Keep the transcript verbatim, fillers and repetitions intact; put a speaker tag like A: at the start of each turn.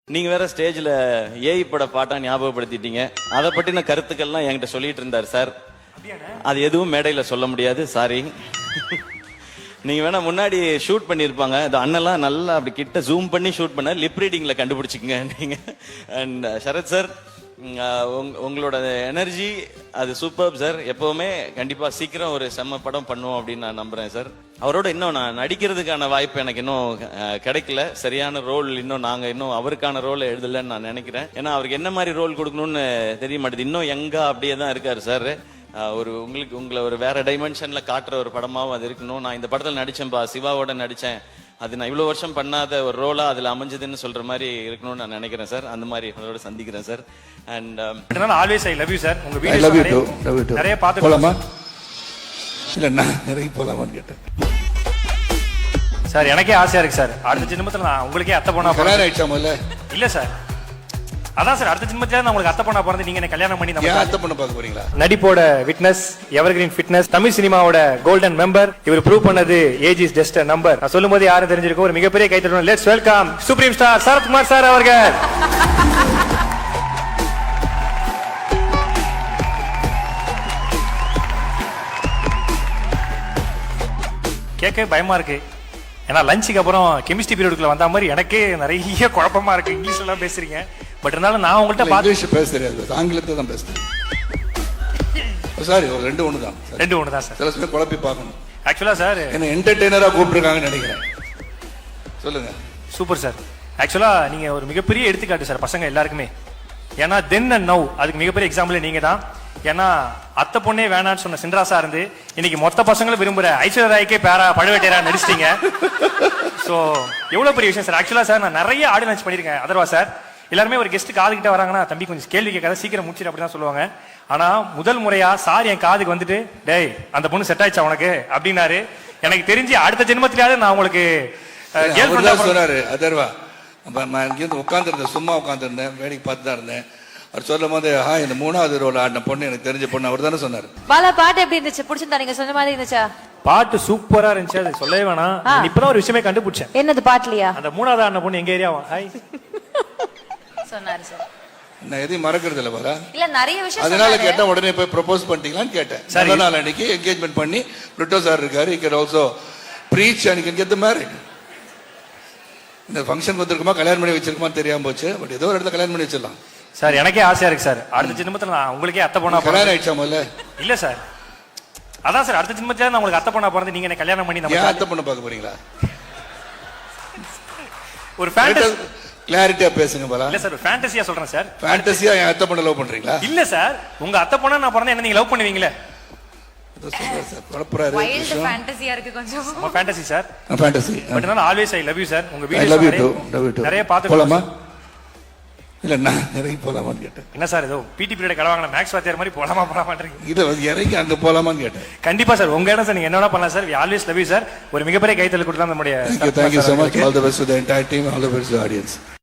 A: நீங்க வேற ஸ்டேஜ்ல ஏஐ பட பாட்டா ஞாபகப்படுத்திட்டீங்க. அதை பற்றின கருத்துக்கள்லாம் என்கிட்ட சொல்லிட்டு இருந்தார் சார். அது எதுவும் மேடையில சொல்ல முடியாது, சாரி. நீங்க வேணா முன்னாடி ஷூட் பண்ணிருப்பாங்க, அது அண்ணெல்லாம் நல்லா அப்படி கிட்ட ஜூம் பண்ணி ஷூட் பண்ண லிப் ரீடிங்ல கண்டுபிடிச்சிக்கங்க நீங்க. அண்ட் சரத் சார், உங்களோட எனர்ஜி அது சூப்பர் சார். எப்பவுமே கண்டிப்பா சீக்கிரம் ஒரு செம்ம படம் பண்ணுவோம் அப்படின்னு நான் நம்புறேன் சார். அவரோட இன்னும் நான் நடிக்கிறதுக்கான வாய்ப்பு எனக்கு இன்னும் கிடைக்கல. சரியான ரோல் இன்னும் நாங்க இன்னும் அவருக்கான ரோல் எழுதலன்னு நான் நினைக்கிறேன். ஏன்னா அவருக்கு என்ன மாதிரி ரோல் கொடுக்கணும்னு தெரிய மாட்டேது. இன்னும் எங்க அப்படியே தான் இருக்காரு சார். ஒரு உங்களுக்கு உங்களை ஒரு வேற டைமென்ஷன்ல காட்டுற ஒரு படமாவும் அது இருக்கணும். நான் இந்த படத்துல நடிச்சேன்பா, சிவாவோட நடிச்சேன், அது நான் இவ்வளவு வருஷம் பண்ணாத ஒரு ரோலா அதுல அமைஞ்சதுன்னு சொல்ற மாதிரி இருக்கணும்னு நான் நினைக்கிறேன் சார். அந்த மாதிரி உங்களோட சந்திக்கிறேன் sir. And
B: always I love you sir. உங்க வீடியோ நிறைய பார்த்து போலாமா?
C: இல்ல நான் நிறைய போலாமான்னு கேட்டேன்
B: சார். எனக்கே ஆசையா இருக்கு சார், அடுத்த ஜென்மத்துல நான் உங்களுக்கே அத்தை பொண்ணா
C: பிறந்தேன்.
B: இல்ல சார், அதான் சார், அடுத்த ஜென்மத்துல நான் உங்களுக்கு அத்தை பொண்ணா பிறந்து நீங்க என்ன கல்யாணம் பண்ணி நம்ம
C: அத்தை பொண்ணு பார்க்க போறீங்களா?
B: நடிப்போட விட்னஸ், எவர்கிரீன் ஃபிட்னஸ், தமிழ் சினிமாவோட கோல்டன் மெம்பர். இவர் ப்ரூவ் பண்ணது age is just a number. நான் சொல்லும் போது யாரும் தெரிஞ்சிருக்கும். ஒரு மிகப்பெரிய கைத்தட்டணும். Let's welcome supreme star Sarathkumar sir அவர்கள். கேட்க பயமா இருக்கு, ஏன்னா லஞ்சுக்கு அப்புறம் கெமிஸ்ட்ரி பீரியடுக்குள்ள வந்த மாதிரி எனக்கே நிறைய குழப்பமா இருக்கு. இங்கிலீஷ்ல எல்லாம் பேசுறீங்க, பட் இருந்தாலும் நான் உங்கள்கிட்ட பார்த்து
C: இங்கிலீஷ் பேச தெரியாது, ஆங்கிலத்தை தான் பேசுறேன். சாரி, ஒரு ரெண்டு ஒன்று தான்.
B: ரெண்டு ஒன்று தான் சார்.
C: சில சமயம் குழப்பி பார்க்கணும்.
B: ஆக்சுவலா சார்
C: என்ன என்டர்டெய்னரா கூப்பிட்டுருக்காங்கன்னு நினைக்கிறேன். சொல்லுங்க.
B: Super sir. ஆக்சுவலா நீங்க ஒரு மிகப்பெரிய எடுத்துக்காட்டு சார் பசங்க எல்லாருக்குமே. ஏன்னா தென் அண்ட் நவ் அதுக்கு மிகப்பெரிய எக்ஸாம்பிள் நீங்க தான். ஏன்னா அத்தை பொண்ணே வேணான்னு சொன்ன சின்ராசா இருந்து இன்னைக்கு மொத்த பசங்களும் விரும்புற ஐஸ்வர்யா ராய்க்கே பேரா பழுவேட்டையரா நடிச்சிட்டீங்க. ஸோ எவ்வளவு பெரிய விஷயம் சார். ஆக்சுவலா சார் நான் நிறைய ஆடியோ லான்ச் பண்ணிருக்கேன். அதர்வா சார் எல்லாருமே ஒரு கெஸ்ட் காது கிட்ட வராங்கன்னா தம்பி கொஞ்சம் கேள்வி கேட்காத, சீக்கிரம் முடிச்சிட்டு அப்படிதான் சொல்லுவாங்க. ஆனா முதல் முறையா சார் என் காதுக்கு வந்துட்டு டேய் அந்த பொண்ணு செட் ஆயிடுச்சா உனக்கு அப்படின்னாரு. எனக்கு தெரிஞ்சு அடுத்த ஜென்மத்திலேயாவது நான் உங்களுக்கு
C: சொன்னாரு. அதர்வா உட்கார்ந்து இருந்தேன், சும்மா உட்கார்ந்து இருந்தேன், வேடிக்கை பார்த்து தான் இருந்தேன். அவர் சொல்லும் போது ஆ இந்த மூணாவது ரோல் ஆடின பொண்ணு எனக்கு தெரிஞ்ச பொண்ணு அவர் தானே சொன்னாரு.
D: பாலா பாட்டு எப்படி இருந்துச்சு? பிடிச்சிருந்தா? நீங்க சொன்ன மாதிரி இருந்துச்சா?
B: பாட்டு சூப்பரா இருந்துச்சு, அது சொல்லவே வேணாம். இப்பதான் ஒரு விஷயமே கண்டுபிடிச்சேன்.
D: என்னது பாட்டுலயா?
B: அந்த மூணாவது ஆடின பொண்ணு எங்க ஏரியாவா? ஹாய்
D: சொன்னாரு சார்.
C: நான் எதையும் மறக்கிறது இல்ல பாலா.
D: இல்ல நிறைய விஷயம்
C: அதனால கேட்டேன், உடனே போய் ப்ரொபோஸ் பண்ணிட்டீங்களான்னு கேட்டேன். நல்ல நாள் அன்னைக்கு என்கேஜ்மெண்ட் பண்ணி பிரிட்டோ சார் இருக்காரு. he can also preach and he can get the married. இந்த ஃபங்க்ஷன் வந்திருக்குமா கல்யாணம் பண்ணி வச்சிருக்குமா தெரியாம போச்சு, பட் ஏதோ ஒரு இடத்துல கல்யாணம் பண்ணி வச்சிடலாம்
B: சார். எனக்கே ஆசையா இருக்கு சார், அடுத்த ஜென்மத்துல நான் உங்களுக்கே அத்தை பொண்ணா
C: கல்யாணம் ஆயிடுச்சா முதல்ல?
B: இல்ல சார், அதான் சார், அடுத்த ஜென்மத்துல நான் உங்களுக்கு அத்தை பொண்ணா பிறந்து நீங்க என்ன கல்யாணம் பண்ணி நம்ம
C: அத்தை பொண்ணு பார்க்க போறீங்களா?
B: ஒரு ஃபேண்டசி
C: கிளாரிட்டியா பேசுங்க பாலா.
B: இல்ல சார், ஃபேண்டசியா சொல்றேன் சார்.
C: ஃபேண்டசியா என் அத்தை பொண்ணு லவ் பண்றீங்களா?
B: இல்ல சார், உங்க அத்தை பொண்ணா நான் பிறந்தா என்ன நீங்க லவ் பண்ணுவீங்களே? Always I love you sir. உங்க வீடியோ நிறைய பார்த்து
C: போலாமா? இல்ல நான் நிறைய போலாமான்னு கேட்டேன்.
B: என்ன சார் ஏதோ பிடி பீரியட் கடவாங்க மேக்ஸ் வாத்தியார் மாதிரி போலாமா போலாமான்றீங்க.
C: இது இறங்கி அங்க போலாமான்னு கேட்டேன்.
B: கண்டிப்பா சார், உங்க இடம் சார், நீங்க என்ன பண்ணலாம் sir. Always love you sir. ஒரு மிகப்பெரிய கைத்தல் கொடுத்தா நம்முடைய
C: Thank you so much. All the best to the entire team. All the best to the audience.